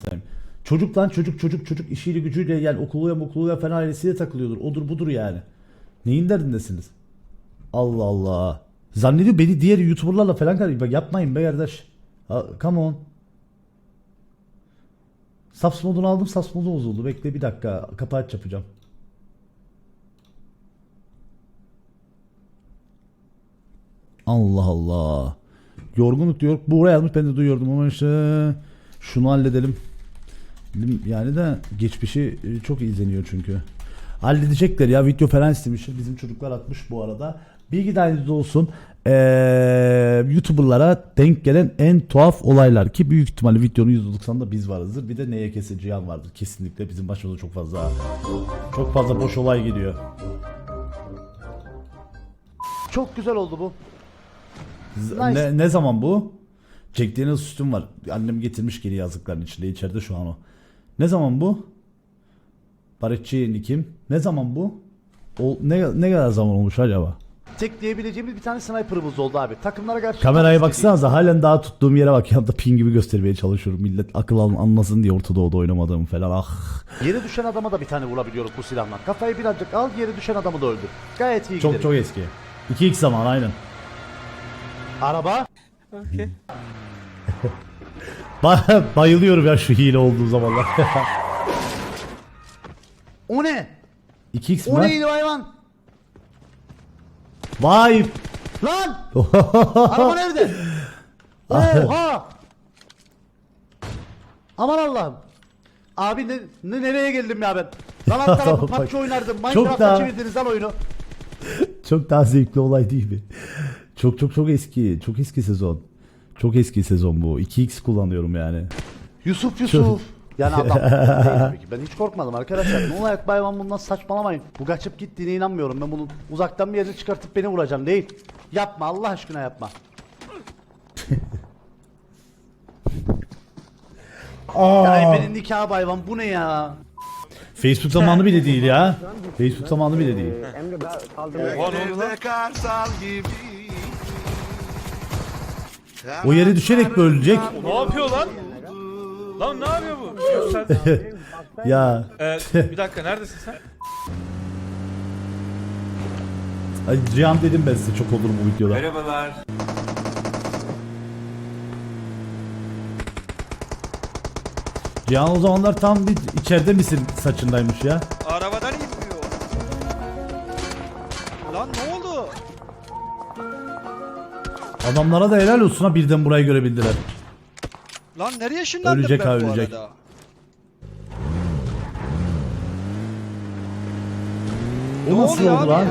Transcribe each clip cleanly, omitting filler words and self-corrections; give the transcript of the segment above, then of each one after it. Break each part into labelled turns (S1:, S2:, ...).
S1: Çocuk lan çocuk işiyle gücüyle yani okuluya falan ailesiyle takılıyordur. Odur budur yani. Neyin derdindesiniz? Allah Allah. Zannediyor beni diğer YouTuber'larla falan karıştırıyor. Bak yapmayın be kardeş. Come on. Subs modunu aldım. Subs modu bozuldu. Bekle bir dakika. Kapağı yapacağım. Allah Allah. Yorgunluk diyor. Buraya yazmış ben de duyuyordum ama işte şunu halledelim. Yani de geçmişi çok izleniyor çünkü. Halledecekler ya, video falan istemişler. Bizim çocuklar atmış bu arada. Bilgi dahilinizde olsun. YouTuber'lara denk gelen en tuhaf olaylar ki büyük ihtimalle videonun %90'da biz varızdır. Bir de NYKS Cihan vardır. Kesinlikle bizim başımıza çok fazla boş olay geliyor. Çok güzel oldu bu. Nice. Ne zaman bu? Jack Daniels sütüm var. Annem getirmiş geri yazlıkların içinde. İçeride şu an o. Ne zaman bu? Barışçı kim? Ne zaman bu? Ne kadar zaman olmuş acaba? Tek diyebileceğimiz bir tane sniper'ımız oldu abi. Takımlara karşı... Kameraya baksanıza halen daha tuttuğum yere bak. Yanında pin gibi göstermeye çalışıyorum. Millet akıl anlasın diye Orta Doğu'da oynamadığım falan. Ah. Yere düşen adama da bir tane vurabiliyoruz bu silahla. Kafayı birazcık al, yere düşen adamı da öldür. Gayet iyi giderim. Çok eski. 2x zaman aynen. Araba.
S2: Okay.
S1: Bayılıyorum ya şu hile olduğu zamanlar. O ne? 2x mi? O neydi hayvan? Vay! Lan! Araba nerede? Oha! Aman Allah'ım. Abi nereye geldim ya ben? Lan alt tarafı PUBG oynardım. Minecraft'a çevirdiniz lan oyunu. Çok daha zevkli olay değil mi? Çok eski. Çok eski sezon. Çok eski sezon bu. 2x kullanıyorum yani. Yusuf. Yani adam değil tabii ki. Ben hiç korkmadım arkadaşlar. Ne olarak bayvan bundan saçmalamayın. Bu kaçıp gittiğine inanmıyorum. Ben bunu uzaktan bir yere çıkartıp beni vuracağım değil. Yapma Allah aşkına yapma. Ya benim nikah bayvan bu ne ya? Facebook zamanı bile değil ya. Facebook zamanı bile değil. O yere düşerek mi ölecek?
S2: Ne yapıyor lan? Lan ne yapıyor bu?
S1: Ya.
S2: Bir dakika neredesin sen?
S1: Ay Cihan dedim ben size, çok olur bu videoda.
S3: Merhabalar.
S1: Cihan o zamanlar tam bir içeride misin saçındaymış ya.
S4: Arabadan inmiyor. Lan ne oldu?
S1: Adamlara da helal olsun ha, birden burayı görebildiler.
S4: Lan nereye ışınlandım
S1: Ölecek
S4: ben
S1: ha,
S4: bu
S1: ölecek.
S4: arada?
S1: O
S4: Ne
S1: nasıl
S4: oluyor
S1: oldu
S4: abi?
S1: lan?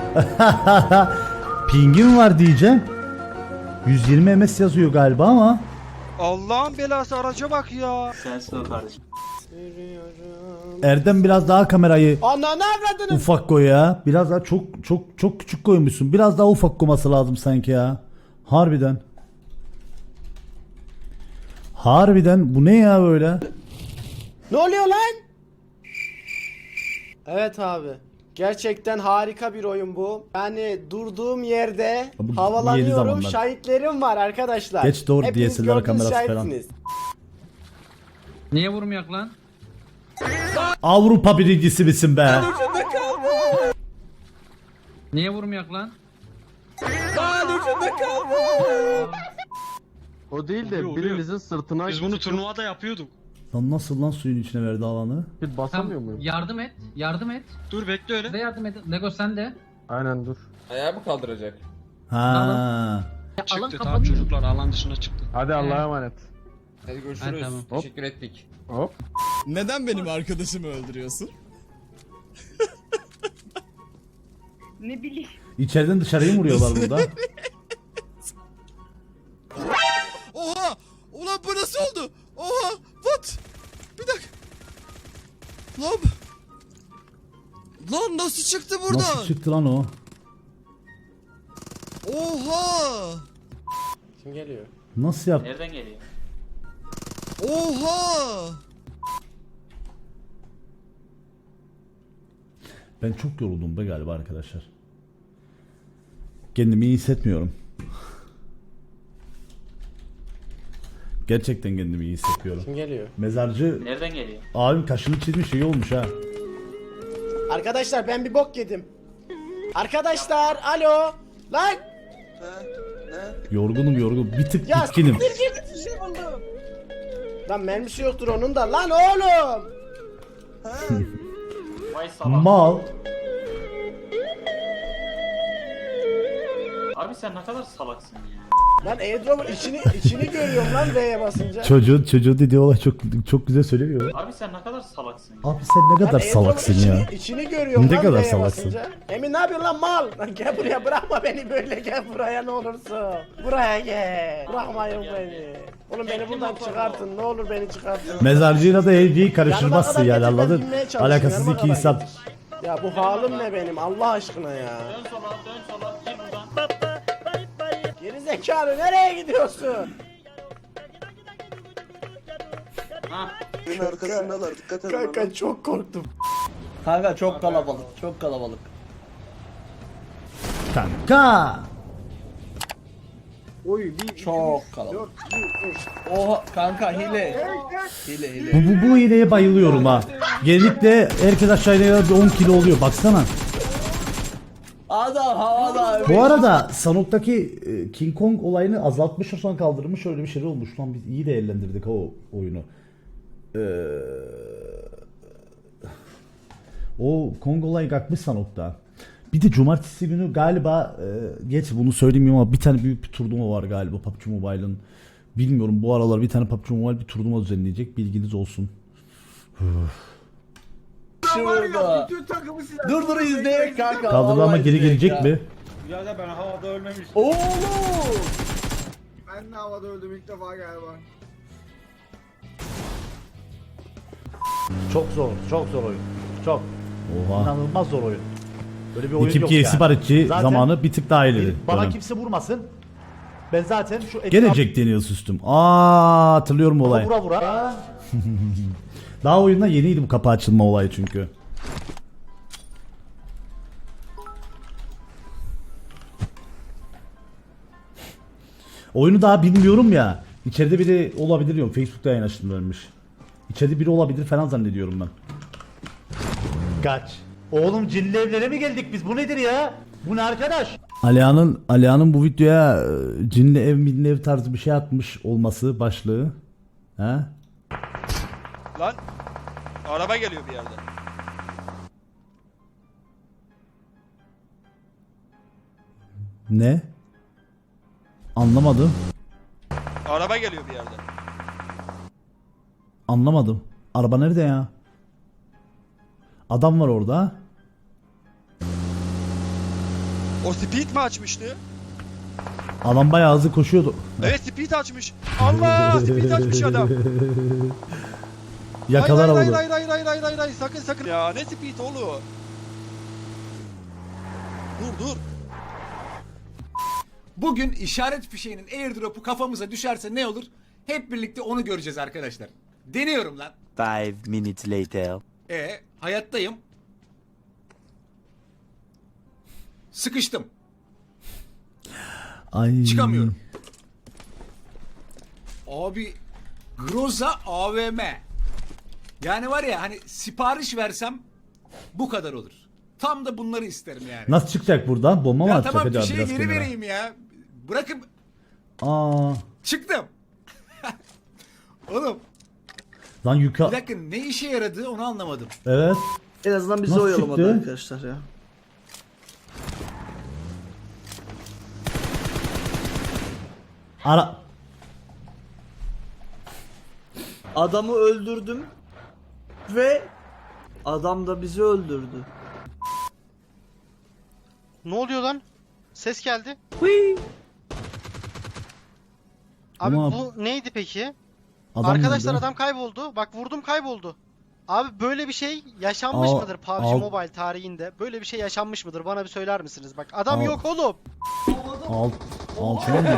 S1: Pingim var diyeceğim. 120 ms yazıyor galiba ama.
S4: Allah'ın belası araca bak ya.
S3: Sensin o kardeşim.
S1: Erdem biraz daha kamerayı ufak koy ya. Biraz daha çok küçük koymuşsun. Biraz daha ufak koyması lazım sanki ya. Harbiden. Harbiden bu ne ya böyle?
S5: Ne oluyor lan? Evet abi. Gerçekten harika bir oyun bu. Yani durduğum yerde
S1: Bu yeni
S5: havalanıyorum.
S1: zamanlar.
S5: Şahitlerim var arkadaşlar.
S1: Geç doğru
S5: Hepiniz
S1: DSLR
S5: gördünüz,
S1: kamerası falan.
S5: şahitsiniz.
S6: Niye vurmayak lan?
S1: Avrupa birincisi misin be?
S6: Niye vurmayak lan?
S7: O değil de birinizin sırtına...
S4: Biz bunu turnuvada yapıyorduk.
S1: Lan nasıl lan suyun içine verdi alanı?
S7: Bir basamıyor muyum?
S6: Yardım et. Yardım et.
S4: Dur bekle öyle.
S6: Bir de yardım et. Lego sen de.
S7: Aynen dur.
S8: Ayağı mı kaldıracak?
S1: Ha.
S6: Ya, alan
S4: Çıktı tamam
S6: kapanıyor.
S4: çocuklar alan dışına çıktı.
S7: Hadi Allah'a emanet.
S8: Hadi görüşürüz.
S6: Ha, tamam.
S8: Teşekkür ettik.
S7: Hop.
S9: Neden benim arkadaşımı öldürüyorsun?
S10: Ne bileyim.
S1: İçeriden dışarıya mı vuruyorlar burada?
S9: Oha! Ulan bu nasıl oldu? Oha! What? Bir dakika. Lan nasıl çıktı buradan?
S1: Nasıl çıktı lan o?
S9: Oha!
S5: Kim geliyor?
S1: Nasıl yaptı?
S3: Nereden geliyor?
S9: Oha!
S1: Ben çok yoruldum be galiba arkadaşlar. Kendimi iyi hissetmiyorum. Gerçekten kendimi iyi hissediyorum.
S5: Kim geliyor?
S1: Mezarcı
S8: Nereden geliyor?
S1: abim kaşını çizmiş, iyi olmuş ha.
S5: Arkadaşlar ben bir bok yedim. Arkadaşlar alo. Lan.
S1: Yorgun. Bir tık
S5: Ya
S1: bitkinim.
S5: siktir git, bir şey buldum. Lan mermisi yoktur onun da. Lan oğlum.
S8: Vay salak.
S1: Mal.
S8: Abi sen ne kadar salaksın ya.
S5: Lan airdrop'un içini görüyorum lan V'ye basınca.
S1: Çocuğu dediği olay çok güzel söylemiyor.
S8: Abi sen ne kadar salaksın ya.
S1: Abi sen ne kadar
S5: Lan
S1: salaksın
S5: airdrop'un
S1: ya.
S5: içini görüyorum
S1: Ne
S5: lan
S1: kadar
S5: V'ye
S1: salaksın.
S5: basınca. Emin ne yapıyorsun lan mal? Lan gel buraya, bırakma beni böyle, gel buraya ne olursun. Buraya gel. Bırakmayın beni. Oğlum beni buradan çıkartın, ne olur beni çıkartın.
S1: Mezarcıyla da evciyi karıştırmazsın
S5: Yanıma
S1: yani,
S5: kadar getir, ben
S1: anladın?
S5: binmeye çalışayım,
S1: Alakasız
S5: yanıma
S1: iki
S5: kadar
S1: insan.
S5: getir. Ya bu halim ne benim Allah aşkına ya.
S8: Dön sola gir buradan.
S5: Geri zekalı nereye gidiyorsun?
S8: Ha.
S5: Kanka çok korktum.
S3: Kanka çok kalabalık, çok kalabalık.
S1: Kanka.
S3: Çok kalabalık. Oha kanka hile.
S1: Bu hileye bayılıyorum ha. Genellikle herkes aşağıya bir 10 kilo oluyor, baksana.
S3: Adam havada.
S1: Bu arada Sanok'taki King Kong olayını azaltmış, sonra kaldırmış, öyle bir şey olmuş lan, biz iyi değerlendirdik o oyunu. O Kong olayı kalkmış Sanok'ta. Bir de cumartesi günü galiba geç bunu söyleyeyim ama bir tane büyük bir turnuva var galiba PUBG Mobile'ın. Bilmiyorum, bu aralar bir tane PUBG Mobile bir turnuva düzenleyecek, bilginiz olsun.
S3: Şurada. Dur izleyek kanka.
S1: Kaldırma ama geri gelecek mi?
S2: Ya ben havada ölmemiştim.
S3: Oğlum.
S9: Ben de havada öldüm ilk defa galiba.
S1: Çok zor oyun. Çok. Oha. İnanılmaz zor oyun. Böyle bir oyun
S11: Ekip
S1: yok
S11: ki
S1: yani.
S11: siparişçi
S1: Zaten
S11: zamanı bir tık daha ileri.
S1: bana
S11: dönem.
S1: kimse vurmasın. Ben zaten şu
S11: Gene Jack Daniels üstüm. Aa, hatırlıyorum bu olayı.
S1: vura.
S11: Daha oyunda yeniydi bu kapı açılma olayı çünkü. Oyunu daha bilmiyorum ya. İçeride biri olabilir diyorum. Facebook'ta yayın açtım ölmüş. İçeride biri olabilir falan zannediyorum ben.
S1: Kaç. Oğlum cinli evlere mi geldik biz? Bu nedir ya? Bu ne arkadaş?
S11: Alihan'ın bu videoya cinli ev minli ev tarzı bir şey atmış olması başlığı. He?
S4: Lan araba geliyor bir yerden.
S11: Ne? Anlamadım.
S4: Araba geliyor bir yerden.
S11: Anlamadım. Araba nerede ya? Adam var orada.
S4: O speed mi açmıştı?
S11: Adam bayağı hızlı koşuyordu.
S4: Evet speed açmış. Allah speed açmış adam.
S11: Yakalar
S4: hayır,
S11: oldu.
S4: hayır sakın. Ya ne speed oğlum? Dur.
S9: Bugün işaret fişeğinin airdrop'u kafamıza düşerse ne olur? Hep birlikte onu göreceğiz arkadaşlar. Deniyorum lan.
S3: 5 minutes later.
S9: Hayattayım. Sıkıştım.
S11: Ay.
S9: Çıkamıyorum. Abi Groza AVM. Yani var ya hani sipariş versem bu kadar olur. Tam da bunları isterim yani.
S11: Nasıl çıkacak buradan? Bomba mı
S9: Ya
S11: atacak
S9: tamam
S11: acaba
S9: fişeği
S11: biraz
S9: geri
S11: kenara?
S9: vereyim ya. Bırakın.
S11: Aa.
S9: Çıktım. Oğlum
S11: Lan
S9: bir
S11: yuka.
S9: dakika ne işe yaradı onu anlamadım.
S11: Evet.
S3: En azından bizi
S11: Nasıl
S3: oyalamadı
S11: çıktı?
S3: arkadaşlar ya.
S11: Ara.
S3: Adamı öldürdüm ve adam da bizi öldürdü.
S5: Ne oluyor lan? Ses geldi.
S11: Abi Ama-
S5: bu neydi peki?
S11: Adam
S5: Arkadaşlar
S11: nerede?
S5: adam kayboldu. Bak vurdum kayboldu. Abi böyle bir şey yaşanmış
S11: Al-
S5: mıdır PUBG
S11: al-
S5: Mobile tarihinde? Böyle bir şey yaşanmış mıdır? Bana bir söyler misiniz? Bak adam
S11: Al-
S5: yok oğlum.
S11: Altına mı?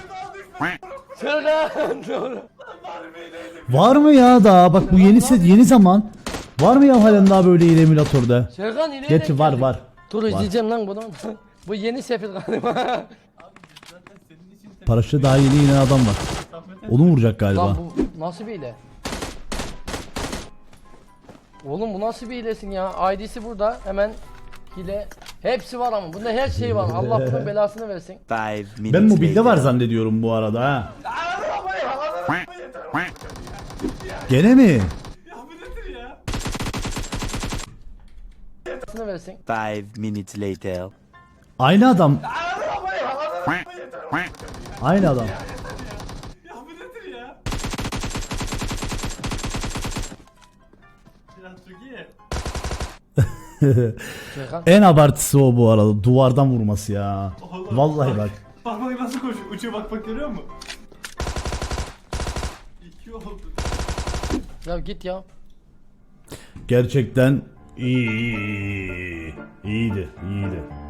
S11: Var mı ya daha? Bak bu yeni zaman. Var mı ya halen daha böyle yeni emülatörde?
S3: Serkan yine
S11: Gerçi var.
S3: Dur izleyeceğim lan bunu. Bu yeni sefil galiba.
S11: Paraşütle daha yeni inen adam var. Onu vuracak galiba.
S5: Lan bu nasıl bir hile? Oğlum bu nasıl bir hilesin ya? ID'si burada. Hemen hile. Hepsi var ama. Bunda her şey var. Allah bunun belasını versin.
S11: Ben mobilde var zannediyorum bu arada ha. Gene mi?
S5: Belasını versin.
S3: 5 minutes later.
S11: Aynı adam. Aynı adam.
S5: Serkan.
S11: En abartısı o bu arada. Duvardan vurması ya. Vallahi bak.
S2: Bak nasıl koşuyor. Uçuyor bak görüyor musun? 2 oldu.
S5: Ya git ya.
S11: Gerçekten iyi. İyiydi.